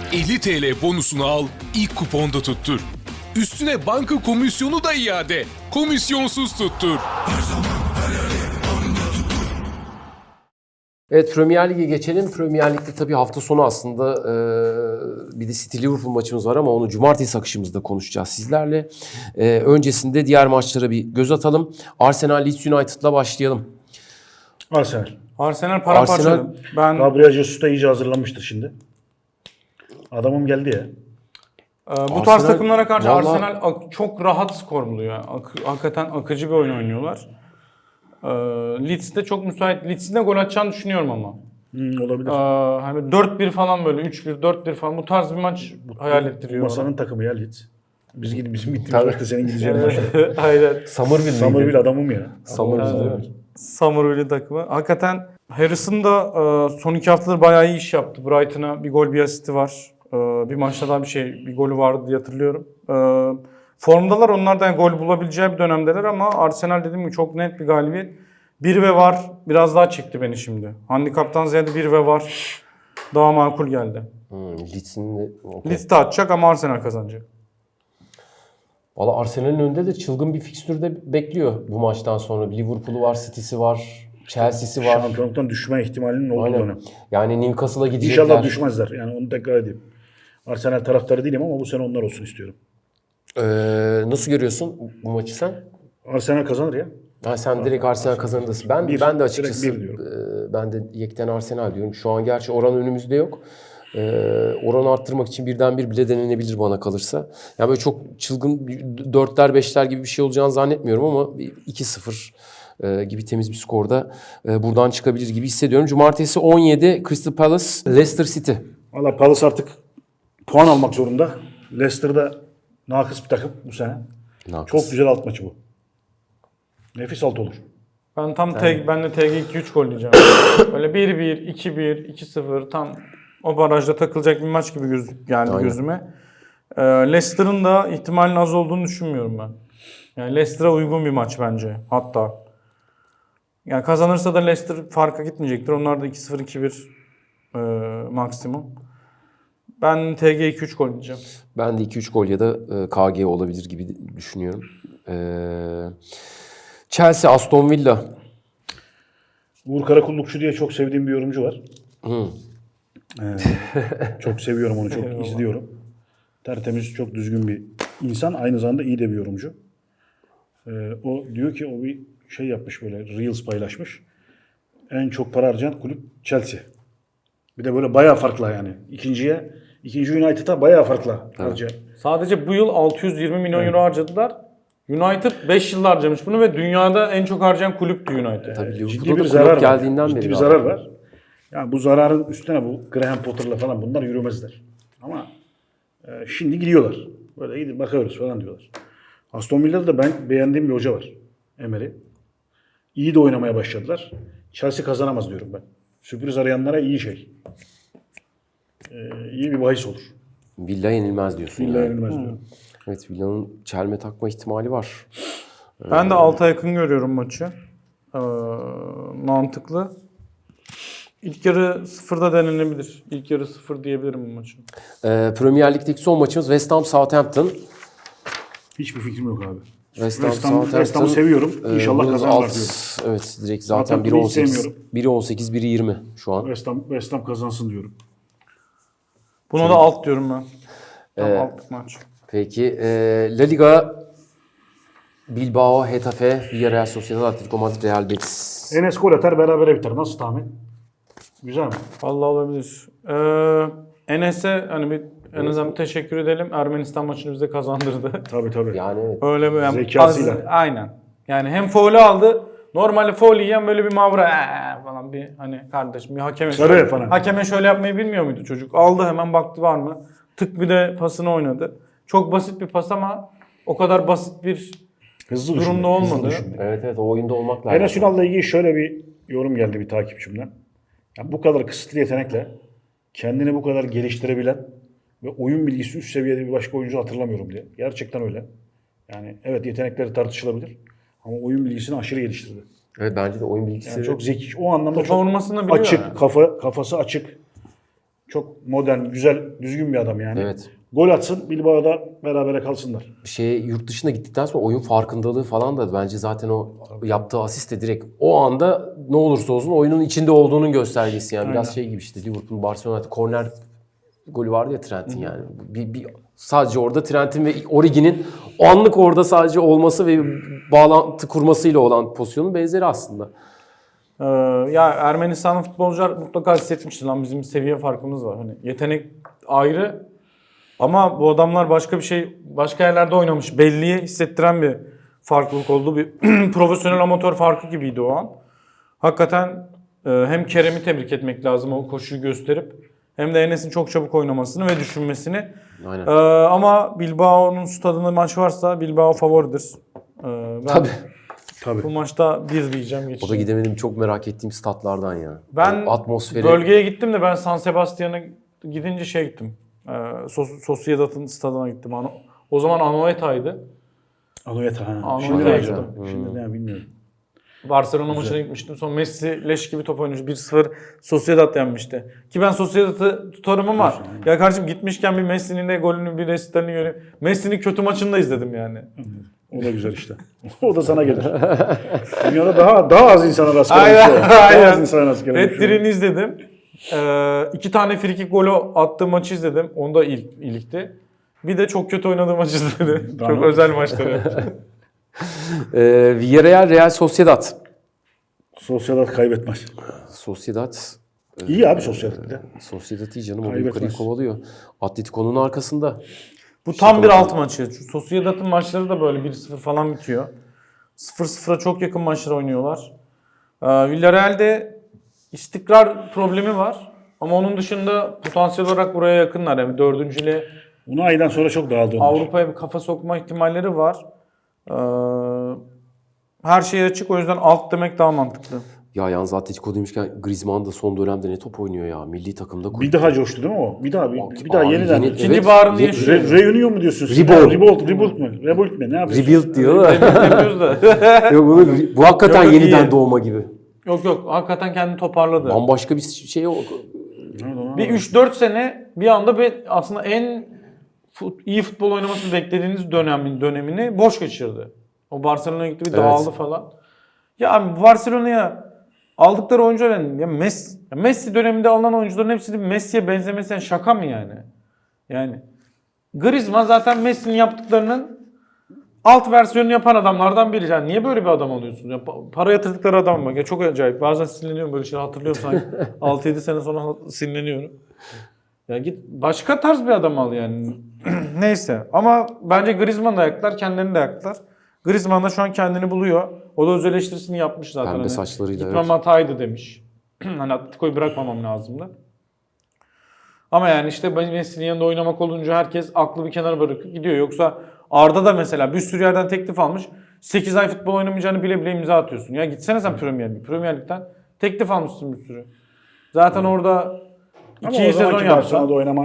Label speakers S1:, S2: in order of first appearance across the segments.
S1: 50 TL bonusunu al, ilk kuponda tuttur. Üstüne banka komisyonu da iade. Komisyonsuz tuttur.
S2: Evet, Premier Lig'e geçelim. Premier Lig'de tabii hafta sonu aslında bir de City Liverpool maçımız var ama onu cumartesi akışımızda konuşacağız sizlerle. Öncesinde diğer maçlara bir göz atalım. Arsenal Leeds United'la başlayalım.
S3: Arsenal paramparça. Ben
S4: Gabriel Jesus da iyice hazırlanmıştır şimdi. Adamım geldi ya.
S3: bu tarz
S2: Arsenal-
S3: takımlara karşı
S2: Vallahi-
S3: Arsenal çok rahat skor buluyor. Hakikaten akıcı bir oyun oynuyorlar. Leeds de çok müsait. Leeds'in de gol atacağını düşünüyorum ama.
S4: Olabilir.
S3: Hani 4-1 falan böyle 3-1, 4-1 falan bu tarz bir maç hayal ettiriyor.
S4: Masanın takımı ya Leeds. Bizim gittiğimiz
S2: Tabii.
S4: maçta senin gideceğin maçta.
S3: Aynen.
S4: Somerville adamım ya.
S2: Somerville.
S3: Summerville takımı. Hakikaten Harrison da son 2 haftadır bayağı iyi iş yaptı. Brighton'a bir gol bir asisti var. Bir maçta daha bir golü vardı diye hatırlıyorum. Formdalar, onlar da yani gol bulabileceği bir dönemdeler ama Arsenal dediğim gibi çok net bir galibiyet. 1 ve var biraz daha çekti beni şimdi. Handikaptan ziyade 1 ve var daha makul geldi.
S2: Leeds'in de... Okay.
S3: Leeds de atacak ama Arsenal kazanacak.
S2: Valla Arsenal'in önünde de çılgın bir fikstürde bekliyor bu maçtan sonra. Liverpool'u var, City'si var, Chelsea'si var.
S4: Şampiyonluktan düşme ihtimalinin olduğu
S2: Aynen.
S4: dönem.
S2: Yani Newcastle'a gidecekler.
S4: İnşallah düşmezler. Yani onu tekrar edeyim. Arsenal taraftarı değilim ama bu sene onlar olsun istiyorum.
S2: Nasıl görüyorsun bu maçı sen?
S4: Arsenal kazanır ya.
S2: Ha, sen direkt Arsenal kazanırsın. Ben
S4: Bir,
S2: de açıkçası
S4: direkt bir diyorum.
S2: ben de yekten Arsenal diyorum. Şu an gerçi oran önümüzde yok. Oranı arttırmak için birden bir bile denenebilir bana kalırsa. Yani böyle çok çılgın 4'ler 5'ler gibi bir şey olacağını zannetmiyorum ama 2-0 gibi temiz bir skorda buradan çıkabilir gibi hissediyorum. Cumartesi 17 Crystal Palace Leicester City.
S4: Valla Palace artık puan almak zorunda. Leicester'da nakıs bir takım bu sene.
S2: Nakıs.
S4: Çok güzel alt maçı bu. Nefis alt olur.
S3: Ben ben de TG 2-3 gol diyeceğim. Böyle 1-1, 2-1, 2-0 tam o barajda takılacak bir maç gibi geldi
S2: Aynen.
S3: gözüme. Leicester'ın da ihtimalin az olduğunu düşünmüyorum ben. Yani Leicester'a uygun bir maç bence hatta. Yani kazanırsa da Leicester farka gitmeyecektir. Onlar da 2-0, 2-1 maksimum. Ben TG 2-3 gol diyeceğim.
S2: Ben de 2-3 gol ya da KG olabilir gibi düşünüyorum. Chelsea Aston Villa.
S4: Uğur Karakullukçu diye çok sevdiğim bir yorumcu var. Çok seviyorum onu, çok izliyorum. Tertemiz, çok düzgün bir insan. Aynı zamanda iyi de bir yorumcu. O diyor ki o bir şey yapmış, böyle Reels paylaşmış. En çok para harcayan kulüp Chelsea. Bir de böyle bayağı farklı yani. İkinci United'a bayağı farklı harcayan.
S3: Sadece bu yıl 620 milyon euro harcadılar. United 5 yıl harcamış bunu ve dünyada en çok harcayan kulüptü United.
S2: Tabii
S4: Ciddi
S2: Liverpool'da
S4: bir
S2: da
S4: zarar
S2: kulüp
S4: var.
S2: geldiğinden
S4: Ciddi
S2: beri.
S4: bir zarar var. Yani bu zararın üstüne bu Graham Potter'la falan bunlar yürümezler. Ama şimdi gidiyorlar. Böyle gidip bakıyoruz falan diyorlar. Aston Villa'da da ben beğendiğim bir hoca var. Emery. İyi de oynamaya başladılar. Chelsea kazanamaz diyorum ben. Sürpriz arayanlara iyi şey. İyi bir bahis olur.
S2: Villa yenilmez diyorsun.
S4: Villa
S2: yani.
S4: yenilmez diyorum.
S2: Evet, Villa'nın çelme takma ihtimali var.
S3: Ben de 6'a yakın görüyorum maçı. Mantıklı. İlk yarı 0'da denenebilir. İlk yarı 0 diyebilirim bu maçı.
S2: Premier Lig'deki son maçımız West Ham Southampton.
S4: Hiçbir fikrim yok abi.
S2: West Ham
S4: West Ham'ı seviyorum. İnşallah
S2: bunun
S4: kazanırlar
S2: alt-
S4: diyorum.
S2: Evet, direkt zaten
S4: Southampton'ı hiç
S2: 1.18,
S4: sevmiyorum.
S2: 1.18, 1.20 şu an.
S4: West Ham kazansın diyorum.
S3: Buna da alt diyorum ben. Tam altlık maç.
S2: Peki La Liga Bilbao, Getafe, Villarreal Sociedad, Atletico Madrid, Real Betis.
S4: Enes gol atar, berabere biter. Nasıl tahmin? Güzel mi?
S3: Vallahi olabilir. Enes'e hani en azından teşekkür edelim. Ermenistan maçını bize kazandırdı.
S4: Tabii.
S2: Yani evet.
S3: Öyle bir
S4: Zekasıyla.
S3: aynen. Yani hem faulü aldı. Normalde faul yiyen böyle bir mavra falan bir hani kardeşim bir hakeme
S4: Sarı falan.
S3: Hakeme şöyle yapmayı bilmiyor muydu çocuk? Aldı hemen baktı var mı? Tık bir de pasını oynadı. Çok basit bir pas ama o kadar basit bir
S4: Hızlı
S3: durumda
S4: düşündü,
S3: olmadı.
S4: hızlı düşündü.
S2: Evet, o oyunda olmak lazım.
S4: Enes Ünal'la ilgili şöyle bir yorum geldi bir takipçimden. Yani bu kadar kısıtlı yetenekle kendini bu kadar geliştirebilen ve oyun bilgisi üst seviyede bir başka oyuncu hatırlamıyorum diye. Gerçekten öyle. Yani evet, yetenekleri tartışılabilir ama oyun bilgisini aşırı geliştirdi.
S2: Evet, bence de oyun bilgisi.
S4: Yani çok zeki. O anlamda
S3: Topa
S4: çok
S3: vurmasını biliyor
S4: açık,
S3: yani.
S4: kafası açık. Çok modern, güzel, düzgün bir adam yani.
S2: Evet.
S4: Gol atsın, Bilbao'da berabere kalsınlar.
S2: Yurt dışına gittikten sonra oyun farkındalığı falan da bence zaten o yaptığı asist de direkt o anda ne olursa olsun oyunun içinde olduğunun göstergesi yani. Biraz şey gibi işte Liverpool, Barcelona'da korner golü vardı ya Trent'in yani. Sadece orada Trent'in ve Origi'nin o anlık orada sadece olması ve bağlantı kurmasıyla olan pozisyonun benzeri aslında.
S3: Ya Ermenistanlı futbolcular mutlaka hissetmiştir lan bizim seviye farkımız var. Hani yetenek ayrı ama bu adamlar başka yerlerde oynamış. Belliye hissettiren bir farklılık oldu. Bir profesyonel amatör farkı gibiydi o an. Hakikaten hem Kerem'i tebrik etmek lazım o koşuyu gösterip hem de Enes'in çok çabuk oynamasını ve düşünmesini.
S2: Aynen.
S3: Ama Bilbao'nun stadında maç varsa Bilbao favoridir. Ben
S2: Tabii.
S3: bu maçta 1 diyeceğim
S2: O da
S3: geçeceğim.
S2: gidemedim çok merak ettiğim statlardan ya.
S3: Ben
S2: o atmosferi.
S3: bölgeye gittim de ben San Sebastian'a gidince gittim. Sociedad'ın stadına gittim. O zaman Anoeta'ydı.
S4: Anoeta ha.
S3: Anoeta.
S4: Şimdi ne acaba?
S2: Hmm.
S4: Şimdi ne bilmiyorum.
S3: Barcelona maçına gitmiştim. Sonra Messi leş gibi top oynamış. 1-0 Sociedad yenmişti. Ki ben Sociedad'ı tutarım ama ya kardeşim gitmişken bir Messi'nin de golünü bir resitlerini göreyim. Messi'nin kötü maçını da izledim yani.
S4: O da güzel işte. O da sana gelir. Dünyada daha az insana rast gelen
S3: Aynen,
S4: bir şey. Daha
S3: aynen.
S4: az insana rast gelen bir şey.
S3: Red izledim. 2 tane frikik golü attığı maçı izledim. Onda ilikti. Bir de çok kötü oynadığı maçı izledim. Çok
S4: Tamam.
S3: özel maçları.
S2: Villarreal, Real Sociedad.
S4: Sociedad kaybetmez.
S2: Sociedad.
S4: İyi abi Sociedad bir de.
S2: Sociedad iyi canım. O da
S4: Kaybetmez.
S2: yukarıyı kovalıyor. Atletico'nun arkasında.
S3: Bu tam bir alt maçı. Şu Sociedad'ın maçları da böyle 1-0 falan bitiyor. 0-0'a çok yakın maçlar oynuyorlar. Villarreal'de istikrar problemi var. Ama onun dışında potansiyel olarak buraya yakınlar. Yani dördüncüyle
S4: Bunu aydan sonra çok dağıldı onlar.
S3: Avrupa'ya bir kafa sokma ihtimalleri var. Her şey açık, o yüzden alt demek daha mantıklı.
S2: Ya yalnız Atletico demişken Griezmann da son dönemde ne top oynuyor ya. Milli takımda.
S4: Bir daha coştu değil mi o? Bir daha
S2: Abi
S4: yeniden.
S3: İkinci baharını yaşıyor.
S4: Reunion mu diyorsun? Rebuild mi? Ne yapıyorsun?
S2: Rebuild diyor da.
S3: Yapıyoruz da.
S2: Yok, bu hakikaten
S3: Yok,
S2: yeniden
S3: iyi.
S2: doğma gibi.
S3: Yok, hakikaten kendini toparladı.
S2: Bambaşka bir şey yok.
S3: Bir 3-4 sene bir anda aslında en iyi futbol oynamasını beklediğiniz dönemini boş geçirdi. O Barcelona'ya gitti bir dağıldı falan. Ya abi Barcelona'ya aldıkları oyuncular ya Messi döneminde alınan oyuncuların hepsinin Messi'ye benzemesi yani şaka mı yani? Yani Griezmann zaten Messi'nin yaptıklarının alt versiyonunu yapan adamlardan biri. Yani niye böyle bir adam alıyorsunuz? Ya para yatırdıkları adam bak. Ya çok acayip. Bazen sinirleniyorum böyle şeyler hatırlıyorum sanki. 6-7 sene sonra sinirleniyorum. Ya git başka tarz bir adam al yani. Neyse. Ama bence Griezmann da ayaklar, kendilerini de ayaklar. Griezmann da şu an kendini buluyor. O da öz eleştirisini yapmış zaten.
S2: Pembe saçlarıyla,
S3: Gitmem
S2: evet.
S3: hataydı demiş. Hani Atletico'yu bırakmamam lazımdı. Ama yani işte Messi'nin yanında oynamak olunca herkes aklı bir kenara bırakıp gidiyor. Yoksa Arda da mesela bir sürü yerden teklif almış. 8 ay futbol oynamayacağını bile bile imza atıyorsun. Ya gitsene sen Premier Lig'den. Teklif almışsın bir sürü. Zaten orada 2 sezon yapsan.
S4: Oynama.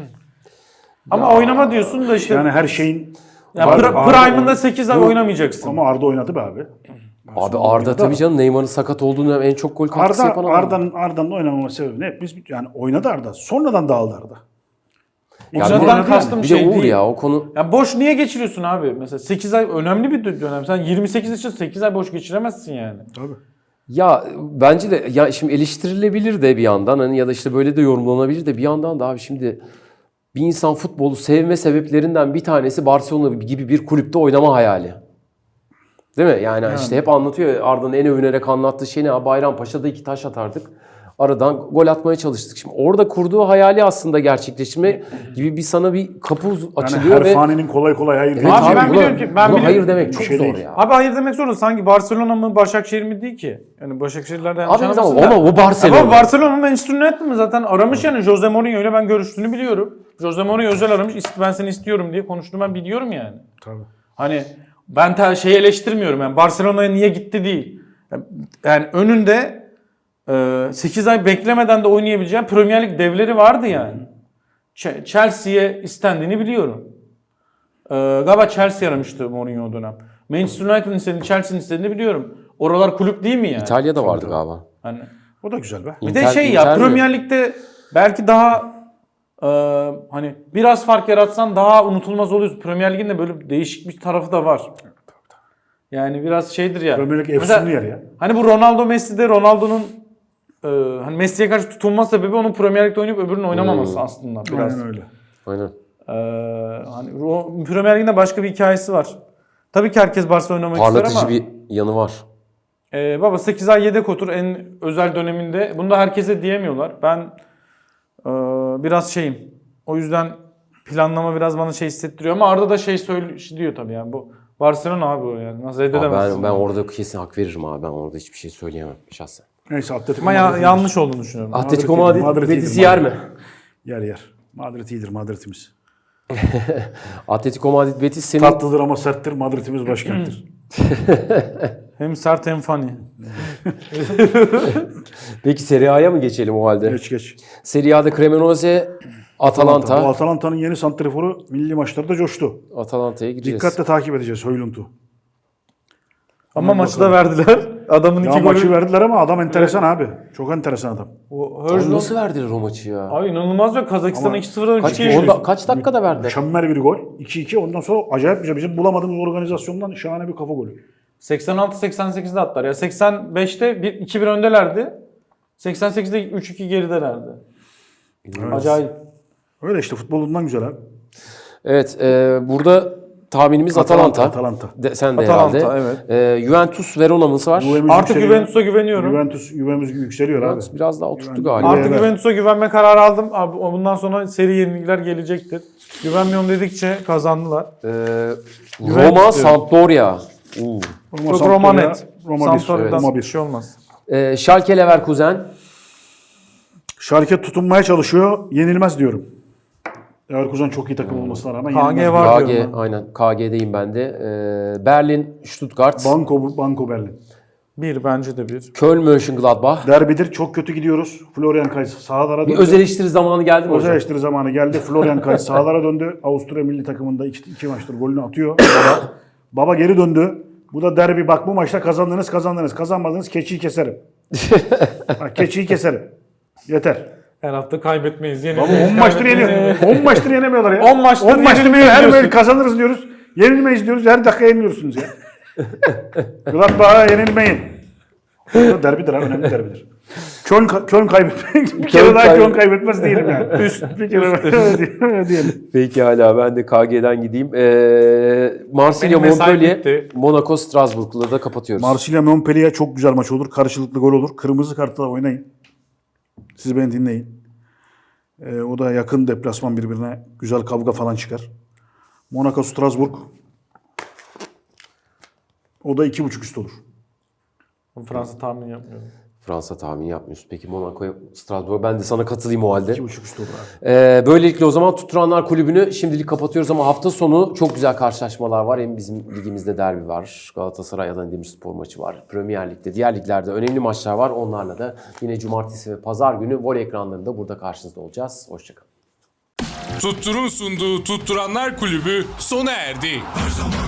S3: Ama oynama diyorsun da işte.
S4: Yani her şeyin
S3: Ya
S4: Arda-
S3: Prime'ında 8 ay oynamayacaksın.
S4: ama Arda oynadı be abi.
S2: Abi Arda tabii canım Neymar'ın sakat olduğu dönem en çok gol katkısı yapan adam.
S4: Arda'nın oynamama sebebi ne? Yani oynadı Arda. Sonradan dağıldı Arda.
S2: Ya
S3: Zaten
S2: bir-
S3: kastım
S2: bir
S3: şey
S2: de Uğur
S3: değil.
S2: ya o konu.
S3: Ya boş niye geçiriyorsun abi? Mesela 8 ay önemli bir dönem. Sen 28 için 8 ay boş geçiremezsin yani.
S4: Tabii.
S2: Ya bence de ya şimdi eleştirilebilir de bir yandan hani ya da işte böyle de yorumlanabilir de bir yandan da abi şimdi bir insan futbolu sevme sebeplerinden bir tanesi Barcelona gibi bir kulüpte oynama hayali. Değil mi? Yani işte hep anlatıyor ya, Arda'nın en övünerek anlattığı şey ne? Bayrampaşa'da 2 taş atardık. Aradan gol atmaya çalıştık. Şimdi orada kurduğu hayali aslında gerçekleştirme gibi sana bir kapı
S4: Yani
S2: açılıyor
S4: her
S2: ve
S4: faninin kolay kolay hayır
S2: Evet
S4: değil.
S3: Abi ben
S2: buna-
S3: biliyorum ki- ben
S2: buna
S3: biliyorum.
S2: hayır demek çok
S4: şey
S2: zor
S4: değil.
S2: ya.
S3: Abi hayır demek zorunda. Sanki Barcelona mı Başakşehir mi değil ki? Yani Başakşehirlerden yanlış
S2: Abi
S3: anlamasın
S2: tamam
S3: da.
S2: ama o Barcelona.
S3: Ama Barcelona'nın Manchester United mi zaten aramış yani Jose Mourinho ile ben görüştüğünü biliyorum. Jose Mourinho özel aramış ben seni istiyorum diye konuştuğunu ben biliyorum yani.
S4: Tabii.
S3: Hani ben şeyi eleştirmiyorum yani Barcelona'ya niye gitti değil. Yani önünde 8 ay beklemeden de oynayabileceğin Premier Lig devleri vardı yani. Chelsea'ye istendiğini biliyorum. Galiba Chelsea aramıştı Mourinho o dönem. Manchester United'ın istediğini, Chelsea'nin istediğini biliyorum. Oralar kulüp değil mi yani?
S2: İtalya'da vardı galiba.
S3: Hani
S4: O da güzel be.
S3: bir de şey ya
S2: Inter mi?
S3: Premier Lig'de belki daha hani biraz fark yaratsan daha unutulmaz oluyorsun. Premier Lig'in de böyle değişik bir tarafı da var. Yani biraz şeydir ya.
S4: Premier Lig
S3: Mesela,
S4: efsunlu yer ya.
S3: hani bu Ronaldo Messi'de Ronaldo'nun hani Messi'ye karşı tutulma sebebi onun Premier Lig'de oynayıp öbürünün oynamaması aslında biraz.
S4: Aynen öyle.
S2: Aynen.
S3: Hani Premier Lig'in de başka bir hikayesi var. Tabii ki herkes Barcelona oynamak ister
S2: Parlatıcı
S3: ama
S2: bir yanı var.
S3: baba 8 ay yedek otur en özel döneminde. Bunu da herkese diyemiyorlar. Ben biraz şeyim. O yüzden planlama biraz bana şey hissettiriyor ama Arda da şey diyor tabii yani bu Barcelona abi o yani. Nasıl
S2: Abi
S3: reddedemezsin.
S2: ben orada kesin hak veririm abi. Ben orada hiçbir şey söyleyemem şahsen.
S4: Neyse Atletico
S3: Ama
S4: Madrid
S3: yanlış olduğunu düşünüyorum.
S2: Atletico
S4: Madrid
S2: Madrid
S4: iyidir,
S2: Betis'i yer mi?
S4: Yer. Madrid iyidir, Madrid'imiz.
S2: Atletico Madrid Betis senin...
S4: Tatlıdır ama serttir, Madrid'imiz başkenttir.
S3: Hem sert hem funny.
S2: Peki Serie A'ya mı geçelim o halde?
S4: Geç.
S2: Serie A'da Cremonese,
S4: Bu
S2: Atalanta.
S4: Atalanta'nın yeni santriforu milli maçlarda coştu.
S2: Atalanta'ya gireceğiz.
S4: Dikkatle takip edeceğiz Höylund'u.
S3: Ama maçı da verdiler. Adamın
S4: Ya
S3: iki
S4: maçı
S3: golü.
S4: verdiler ama adam enteresan abi. Çok enteresan adam.
S3: O
S2: Abi
S3: Höjlund-
S2: nasıl verdiler o maçı ya?
S3: Abi inanılmaz ya. Kazakistan'a
S4: Ama
S3: 2-0'dan
S2: Kaç,
S3: 3-2
S2: kaç dakikada verdiler?
S4: Mükemmel bir gol. 2-2. Ondan sonra acayip bir şey. Bizim bulamadığımız organizasyondan şahane bir kafa golü.
S3: 86-88'de attılar ya. 85'te 2-1 öndelerdi. 88'de 3-2 geridelerdi. Acayip.
S4: Öyle işte futbolundan güzel abi.
S2: Evet, burada tahminimiz Atalanta.
S4: Atalanta.
S2: Sen de
S3: Atalanta,
S2: herhalde.
S3: evet.
S2: Juventus Verona'mız var.
S4: Juve'miz
S3: Artık
S4: yükseliyor.
S3: Juventus'a güveniyorum.
S4: Juventus yükseliyor abi.
S2: Juventus biraz daha oturttu
S4: Juventus-
S2: galiba.
S3: Artık
S4: Evet.
S3: Juventus'a güvenme kararı aldım. Abi bundan sonra seri yenilikler gelecektir. Güvenmiyorum dedikçe kazandılar.
S2: Roma,
S3: diyorum.
S2: Sampdoria.
S3: Çok Roma net.
S4: Roma 1.
S3: Sampdoria'dan
S4: Roma
S3: bir
S4: 1.
S3: şey olmaz.
S2: Schalke Leverkusen.
S4: Schalke tutunmaya çalışıyor. Yenilmez diyorum. Leverkusen çok iyi takım olmasına rağmen
S3: KG
S4: yenilmez.
S3: var.
S2: KG,
S3: diyorum ben.
S2: aynen. KG'deyim ben de. Berlin, Stuttgart.
S4: Banko Berlin.
S3: Bir bence de bir.
S2: Köln, Mönchengladbach.
S4: Derbidir. Çok kötü gidiyoruz. Florian Kays sahalara
S2: Bir
S4: döndü.
S2: öz eleştiri zamanı geldi mi
S4: Özel
S2: hocam?
S4: eleştiri zamanı geldi. Florian Kays sahalara döndü. Avusturya milli takımında iki maçtır golünü atıyor. Baba geri döndü. Bu da derbi. Bak bu maçta kazandınız. Kazanmadınız keçiyi keserim. Bak, keçiyi keserim. Yeter.
S3: Her hafta kaybetmeyiz.
S4: Ama 10 maçtır yeniyor. 10 maçtır yenemiyorlar ya.
S3: 10 maçtır
S4: 10 maçtır
S3: yenilmeyiz
S4: her
S3: diyorsun.
S4: böyle kazanırız diyoruz. Yenilmeyiz diyoruz. Her dakika yeniliyorsunuz ya. Gladbach'a yenilmeyin. Bu derbidir ha. Önemli derbidir. Köln kaybetmek. Bir kere daha Köln kaybetmez değilim yani. Bir kere diyelim.
S2: Peki hala ben de KG'den gideyim. Marsilya,
S3: Benim mesai
S2: Montpellier,
S3: bitti.
S2: Monaco, Strasbourg'la da kapatıyoruz.
S4: Marsilya Montpellier çok güzel maç olur. Karşılıklı gol olur. Kırmızı kartla oynayın. Siz beni dinleyin. O da yakın deplasman birbirine. Güzel kavga falan çıkar. Monaco Strasbourg. O da 2.5 üst olur.
S3: Fransa tahmin yapmıyorum.
S2: Fransa tahmini yapmıyorsun. Peki Monaco, Strasbourg. Ben de sana katılayım o halde.
S4: 2.5 üst olur abi.
S2: Böylelikle o zaman Tutturanlar Kulübü'nü şimdilik kapatıyoruz ama hafta sonu çok güzel karşılaşmalar var. Hem bizim ligimizde derbi var. Galatasaray Adana Demirspor maçı var. Premier Lig'de, diğer liglerde önemli maçlar var. Onlarla da yine cumartesi ve pazar günü voley ekranlarında burada karşınızda olacağız. Hoşçakalın.
S1: Tuttur'un sunduğu Tutturanlar Kulübü sona erdi.